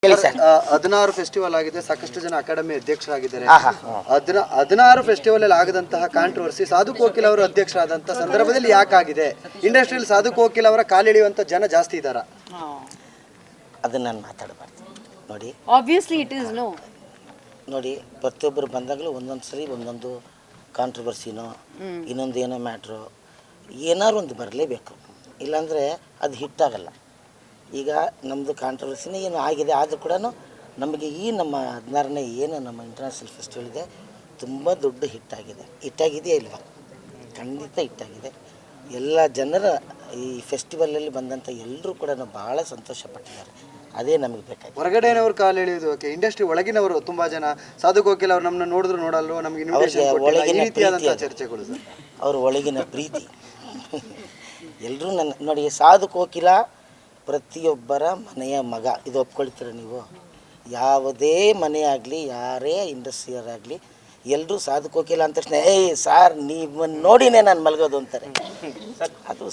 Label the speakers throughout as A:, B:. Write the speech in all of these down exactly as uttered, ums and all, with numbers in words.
A: ಹದಿನಾರು ಫೆಸ್ಟಿವಲ್ ಆಗಿದೆ, ಸಾಕಷ್ಟು ಜನ ಅಕಾಡೆಮಿ ಅಧ್ಯಕ್ಷರಾಗಿದ್ದಾರೆ. ಹದಿನ ಹದಿನಾರು ಫೆಸ್ಟಿವಲ್ ಅಲ್ಲಿ ಆಗದಂತಹ ಕಾಂಟ್ರವರ್ಸಿ ಸಾಧು ಕೋಕಿಲ್ ಅವರು ಅಧ್ಯಕ್ಷರಾದಂತಹ ಸಂದರ್ಭದಲ್ಲಿ ಯಾಕಾಗಿದೆ? ಇಂಡಸ್ಟ್ರಿಯಲ್ಲಿ ಸಾಧು ಕೋಕಿಲ್ ಅವರ ಕಾಲಿಳಿಯುವಂತ ಜನ ಜಾಸ್ತಿ ಇದ್ದಾರ?
B: ಅದನ್ನ ನಾನು ಮಾತಾಡಬಾರ್ದು ನೋಡಿ.
C: Obviously it is no.
B: ನೋಡಿ, ಪ್ರತಿಯೊಬ್ಬರು ಬಂದಾಗಲೂ ಒಂದೊಂದು ಸರಿ ಒಂದೊಂದು ಕಾಂಟ್ರವರ್ಸಿನೋ ಇನ್ನೊಂದು ಏನೋ ಮ್ಯಾಟ್ರು ಏನಾರು ಒಂದು ಬರಲೇಬೇಕು, ಇಲ್ಲಾಂದರೆ ಅದು ಹಿಟ್ಟಾಗಲ್ಲ. ಈಗ ನಮ್ಮದು ಕಾಂಟ್ರವರ್ಸಿನೇ ಏನು ಆಗಿದೆ, ಆದರೂ ಕೂಡ ನಮಗೆ ಈ ನಮ್ಮ ಹದಿನಾರನೇ ಏನು ನಮ್ಮ ಇಂಟರ್ನ್ಯಾಷನಲ್ ಫೆಸ್ಟಿವಲ್ ಇದೆ ತುಂಬ ದೊಡ್ಡ ಹಿಟ್ಟಾಗಿದೆ. ಹಿಟ್ಟಾಗಿದೆಯಾ ಇಲ್ವಾ? ಖಂಡಿತ ಹಿಟ್ಟಾಗಿದೆ. ಎಲ್ಲ ಜನರ ಈ ಫೆಸ್ಟಿವಲಲ್ಲಿ ಬಂದಂಥ ಎಲ್ಲರೂ ಕೂಡ ಭಾಳ ಸಂತೋಷಪಟ್ಟಿದ್ದಾರೆ. ಅದೇ ನಮಗೆ ಬೇಕಾಗಿ.
A: ಹೊರಗಡೆನವ್ರು ಕಾಲು ಎಳೆಯೋದು ಓಕೆ, ಇಂಡಸ್ಟ್ರಿ ಒಳಗಿನವರು ತುಂಬ ಜನ ಸಾಧು ಕೋಕಿಲ್ ಅವ್ರು ನಮ್ಮನ್ನ ನೋಡಿದ್ರು ನೋಡಲ್ವೋ, ನಮಗೆ
B: ಒಳಗಿನ ಪ್ರೀತಿ
A: ಚರ್ಚೆಗಳು ಸರ್,
B: ಅವ್ರ ಒಳಗಿನ ಪ್ರೀತಿ ಎಲ್ಲರೂ ನನ್ನ ನೋಡಿ. ಸಾಧು ಕೋಕಿಲ ಪ್ರತಿಯೊಬ್ಬರ ಮನೆಯ ಮಗ, ಇದು ಒಪ್ಕೊಳ್ತೀರ ನೀವು? ಯಾವುದೇ ಮನೆ ಆಗಲಿ, ಯಾರೇ ಇಂಡಸ್ಟ್ರಿಯರಾಗಲಿ, ಎಲ್ಲರೂ ಸಾಧು ಕೋಕಿಲ ಅಂದ ತಕ್ಷಣ ಏಯ್ ಸಾರ್ ನೀವನ್ನ ನೋಡಿನೇ ನಾನು ಮಲಗೋದು ಅಂತಾರೆ. ಅದು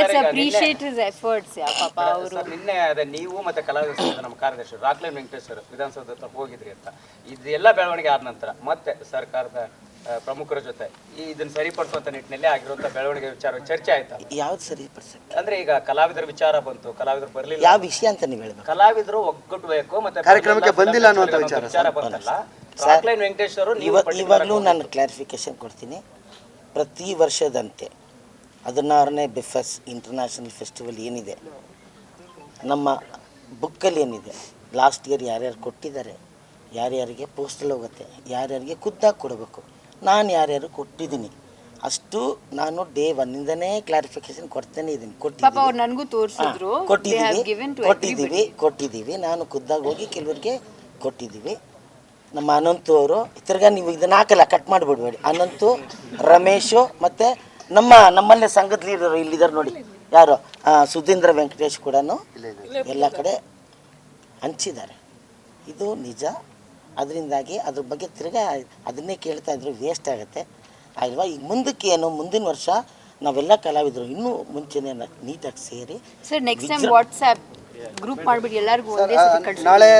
D: ನಿನ್ನೆ ಅದೇ ನೀವು ಮತ್ತೆ ಕಲಾವಿದ ನಮ್ಮ ಕಾರ್ಯದರ್ಶಿ ರಾಕ್ಲೈನ್ ವೆಂಕಟೇಶ್ವರ ವಿಧಾನಸೌಧ ಹತ್ರ ಹೋಗಿದ್ರಿ ಅಂತ, ಇದೆಲ್ಲ ಬೆಳವಣಿಗೆ ಆದ ನಂತರ ಮತ್ತೆ ಸರ್ಕಾರದ ಪ್ರಮುಖರ ಜೊತೆ ಈ ಇದನ್ನ ಸರಿಪಡಿಸುವಂತ ನಿಟ್ಟಿನಲ್ಲಿ ಆಗಿರುವಂತ ಬೆಳವಣಿಗೆ ವಿಚಾರ ಚರ್ಚೆ ಆಯ್ತಾ?
B: ಯಾವ್ದು ಸರಿಪಡಿಸ
D: ಅಂದ್ರೆ ಈಗ ಕಲಾವಿದರ ವಿಚಾರ ಬಂತು, ಕಲಾವಿದರು ಬರ್ಲಿಲ್ಲ,
B: ಯಾವ ವಿಷಯ ಅಂತ ನೀವು ಹೇಳ್ಬೇಕು.
D: ಕಲಾವಿದರು ಒಗ್ಗಟ್ಟಬೇಕು ಮತ್ತೆ
A: ಕಾರ್ಯಕ್ರಮಕ್ಕೆ ಬಂದಿಲ್ಲ ಅನ್ನುವಂತ
D: ವಿಚಾರ ಬಂತಲ್ಲ. ರಾಕ್ಲೈನ್ ವೆಂಕಟೇಶ್ವರು
B: ಇವಾಗಲೂ ನಾನು ಕ್ಲಾರಿಫಿಕೇಶನ್ ಕೊಡ್ತೀನಿ. ಪ್ರತಿ ವರ್ಷದಂತೆ ಹದಿನಾರನೇ ಬಿಫಸ್ ಇಂಟರ್ನ್ಯಾಷನಲ್ ಫೆಸ್ಟಿವಲ್ ಏನಿದೆ, ನಮ್ಮ ಬುಕ್ಕಲ್ಲಿ ಏನಿದೆ, ಲಾಸ್ಟ್ ಇಯರ್ ಯಾರ್ಯಾರು ಕೊಟ್ಟಿದ್ದಾರೆ, ಯಾರ್ಯಾರಿಗೆ ಪೋಸ್ಟಲ್ ಹೋಗುತ್ತೆ, ಯಾರ್ಯಾರಿಗೆ ಖುದ್ದಾಗಿ ಕೊಡಬೇಕು, ನಾನು ಯಾರ್ಯಾರು ಕೊಟ್ಟಿದ್ದೀನಿ ಅಷ್ಟು ನಾನು ಡೇ ಒನ್ನಿಂದನೇ ಕ್ಲಾರಿಫಿಕೇಶನ್ ಕೊಡ್ತೇನೆ ಇದ್ದೀನಿ. ಕೊಟ್ಟಿದ್ದೀವಿ ಕೊಟ್ಟಿದ್ದೀವಿ ಕೊಟ್ಟಿದ್ದೀವಿ ಕೊಟ್ಟಿದ್ದೀವಿ ನಾನು ಖುದ್ದಾಗಿ ಹೋಗಿ ಕೆಲವರಿಗೆ ಕೊಟ್ಟಿದ್ದೀವಿ. ನಮ್ಮ ಅನಂತು ಅವರು ತಿರ್ಗಾ ನೀವು ಇದನ್ನ ಹಾಕಲ್ಲ, ಕಟ್ ಮಾಡಿಬಿಡ್ಬೇಡಿ. ಅನಂತು, ರಮೇಶು ಮತ್ತು ನಮ್ಮ ನಮ್ಮಲ್ಲೇ ಸಂಘದ ಲೀಡರು ಇಲ್ಲಿದ್ದಾರೆ ನೋಡಿ, ಯಾರು ಸುಧೀಂದ್ರ ವೆಂಕಟೇಶ್ ಕೂಡ ಎಲ್ಲ ಕಡೆ ಹಂಚಿದ್ದಾರೆ. ಇದು ನಿಜ. ಅದರಿಂದಾಗಿ ಅದ್ರ ಬಗ್ಗೆ ತಿರ್ಗಾ ಅದನ್ನೇ ಕೇಳ್ತಾ ಇದ್ರು ವೇಸ್ಟ್ ಆಗುತ್ತೆ ಅಲ್ವಾ? ಈಗ ಮುಂದಕ್ಕೆ ಏನು, ಮುಂದಿನ ವರ್ಷ ನಾವೆಲ್ಲ ಕಲಾವಿದರು ಇನ್ನೂ ಮುಂಚೆನೇ ನೀಟಾಗಿ ಸೇರಿ
C: sir next time WhatsApp group ಮಾಡಿಬಿಟ್ಟು ಎಲ್ಲರಿಗೂ ಒಂದೇ ಸತಿ ಕಳಿಸಿ.
A: ನಾಳೆ